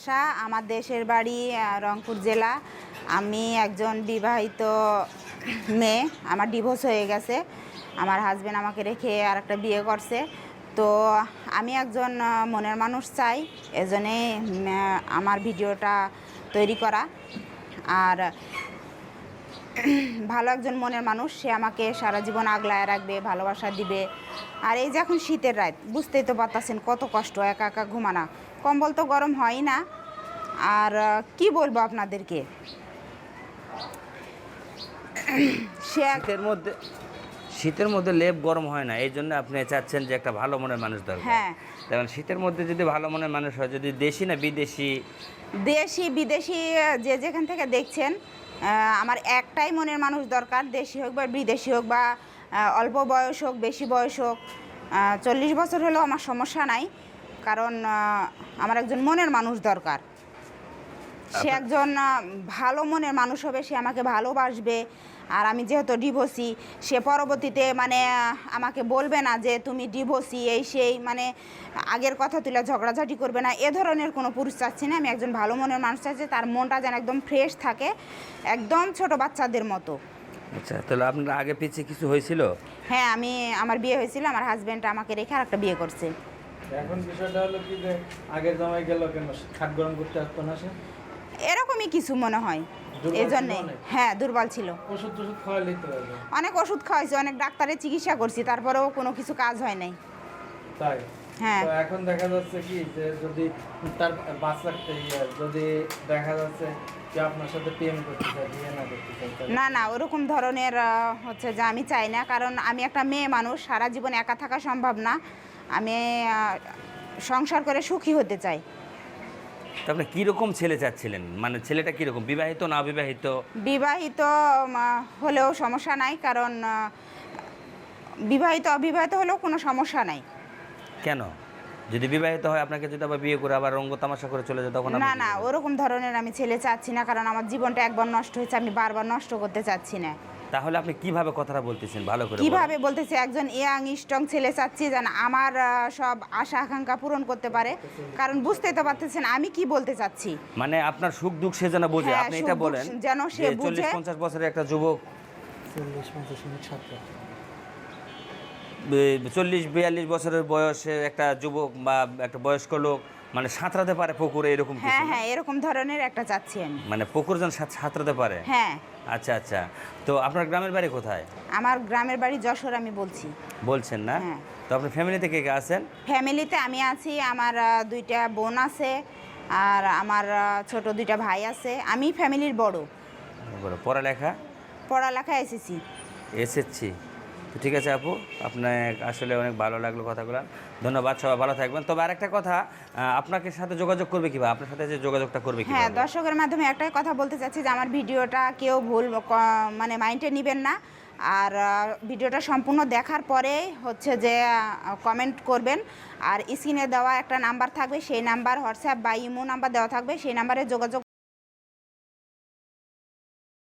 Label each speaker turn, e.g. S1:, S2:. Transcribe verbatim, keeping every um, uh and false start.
S1: বাসা, আমার দেশের বাড়ি রংপুর জেলা। আমি একজন বিবাহিত মেয়ে, আমার ডিভোর্স হয়ে গেছে। আমার হাজব্যান্ড আমাকে রেখে আর একটা বিয়ে করছে। তো আমি একজন মনের মানুষ চাই, এজন্যে আমার ভিডিওটা তৈরি করা। আর ভালো একজন মনের মানুষ, সে আমাকে সারা জীবন আগলায় রাখবে, ভালোবাসা দিবে। আর এই যে এখন শীতের রাত, বুঝতেই তো পারতেছেন কত কষ্ট, একা একা ঘুমানা, কম্বল তো গরম হয় না। আর কি বলবো আপনাদেরকে, সে
S2: শীতের মধ্যে শীতের মধ্যে লেপ গরম হয় না, এই জন্য আপনি চাচ্ছেন যে একটা ভালো মনের মানুষ দরকার।
S1: হ্যাঁ,
S2: যেমন শীতের মধ্যে যদি ভালো মনের মানুষ হয়, যদি দেশি না বিদেশি?
S1: দেশি বিদেশি যে যেখান থেকে দেখছেন, আমার একটাই মনের মানুষ দরকার, দেশি হোক বা বিদেশি হোক, বা অল্প বয়স হোক বেশি বয়স হোক, চল্লিশ বছর হলেও আমার সমস্যা নাই। কারণ আমার একজন মনের মানুষ দরকার। সে একজন ভালো মনের মানুষ হবে, সে আমাকে ভালোবাসবে। আর আমি যেহেতু ডিভোর্সি, সে পরবর্তীতে মানে আমাকে বলবে না যে তুমি ডিভোর্সি এই সেই, মানে আগের কথা তুলে ঝগড়াঝাটি করবে না, এ ধরনের কোনো পুরুষ চাচ্ছি না। আমি একজন ভালো মনের মানুষ চাচ্ছি, তার মনটা যেন একদম ফ্রেশ থাকে, একদম ছোট বাচ্চাদের মতো।
S2: আচ্ছা, তাহলে আপনার আগে পিছিয়ে কিছু হয়েছিল?
S1: হ্যাঁ, আমি আমার বিয়ে হয়েছিল, আমার হাজব্যান্ড আমাকে রেখে আর একটা বিয়ে করছে।
S3: এখন বিষয়টা হলো কি যে আগের জামাই গেল কেন, খাট গরম করতে আসতো না সে?
S1: এরকমই কিছু মনে হয়,
S3: দুর্বল
S1: এই
S3: ছিল
S1: জন্যে।
S3: অনেক?
S1: হ্যাঁ, দুর্বল ছিল।
S3: ওষুধ টষুধ খাওয়ালেই তো হবে।
S1: অনেক ওষুধ খাওয়াইছি, অনেক ডাক্তারের চিকিৎসা করছি, তারপরেও কোনো কিছু কাজ হয় নাই।
S3: তাই?
S1: হ্যাঁ।
S3: তো এখন দেখা যাচ্ছে কি যে যদি তার বাচ্চা ইয়ে, যদি দেখা যাচ্ছে যে আপনার সাথে প্রেম করতে চায়, বিয়ে না করতে চায়, তাহলে-
S1: না না, ওরকম ধরনের আহ, হচ্ছে যে আমি চাই না। কারণ আমি একটা মেয়ে মানুষ, সারা জীবন একা থাকা সম্ভব না। আমি আহ, সংসার করে সুখী হতে চাই।
S2: তো আপনি কীরকম ছেলে চাচ্ছিলেন? মানে ছেলেটা কীরকম, বিবাহিত না অবিবাহিত?
S1: বিবাহিত উম, হলেও সমস্যা নাই, কারণ আহ, বিবাহিত অবিবাহিত হলেও কোনো সমস্যা নাই।
S2: কেন? যদি বিবাহিত হয়, আপনাকে যদি আবার বিয়ে করে আবার রঙ্গ তামাশা করে চলে যায়, তখন আপনি
S1: না
S2: কি
S1: না,
S2: করবেন?
S1: ওরকম ধরনের আমি ছেলে চাচ্ছি না, কারণ আমার জীবনটা একবার নষ্ট হয়েছে, আমি বারবার নষ্ট করতে চাচ্ছি না।
S2: তাহলে আপনি কিভাবে কথাটা বলতেছেন ভালো করে বলেন।
S1: কিভাবে বলতেছি, একজন ইয়াং স্ট্রং ছেলে চাচ্ছি, যেন আমার আহ, সব আশা আকাঙ্ক্ষা পূরণ করতে পারে। কারণ বুঝতেই তো পারতেছেন আমি কি বলতে চাচ্ছি।
S2: মানে আপনার সুখ দুঃখ সে যেন বোঝে,
S1: হ্যাঁ,
S2: আপনি
S1: সুখ
S2: এটা
S1: দুঃখ
S2: বলেন
S1: যেন সে
S2: যে
S1: বুঝে।
S2: চল্লিশ পঞ্চাশ বছরের একটা যুবক,
S3: চল্লিশ পঞ্চাশ মিনিট সাতটা
S2: চল্লিশ বিয়াল্লিশ বছরের বয়সে একটা যুবক বা একটা বয়স্ক লোক মানে সাঁতরাতে পারে পুকুরে, এরকম কিছু
S1: হ্যাঁ
S2: না?
S1: হ্যাঁ, এরকম ধরনের একটা চাচ্ছি আমি।
S2: মানে পুকুর যেন সাঁত- সাঁতরাতে পারে।
S1: হ্যাঁ।
S2: আচ্ছা আচ্ছা, তো আপনার গ্রামের বাড়ি কোথায়?
S1: আমার গ্রামের বাড়ি যশোর, আমি বলছি।
S2: বলছেন না?
S1: হ্যাঁ।
S2: তো আপনার ফ্যামিলিতে কে কে আছেন?
S1: ফ্যামিলিতে আমি আছি, আমার আহ, দুইটা বোন আছে, আর আমার আহ, ছোট দুইটা ভাই আছে। আমি ফ্যামিলির বড়।
S2: বলো, পড়ালেখা?
S1: পড়ালেখা এসেছি।
S2: এসেছি। তো ঠিক আছে আপু, আপনার আসলে অনেক ভালো লাগলো কথাগুলো, ধন্যবাদ, সবাই ভালো থাকবেন। তবে আরেকটা কথা, আহ, আপনাকে সাথে যোগাযোগ করবে কিভাবে, আপনার সাথে যে যোগাযোগটা করবে
S1: হ্যাঁ,
S2: কিভাবে?
S1: দর্শকের মাধ্যমে একটাই কথা বলতে চাচ্ছি যে আমার ভিডিওটা কেউ ভুল ক- মানে মাইন্ডে নেবেন না। আর আহ, ভিডিওটা সম্পূর্ণ দেখার পরে হচ্ছে যে কমেন্ট করবেন। আর স্ক্রিনে দেওয়া একটা নাম্বার থাকবে, সেই নাম্বার হোয়াটসঅ্যাপ বা ইমো নাম্বার দেওয়া থাকবে, সেই নাম্বারে যোগাযোগ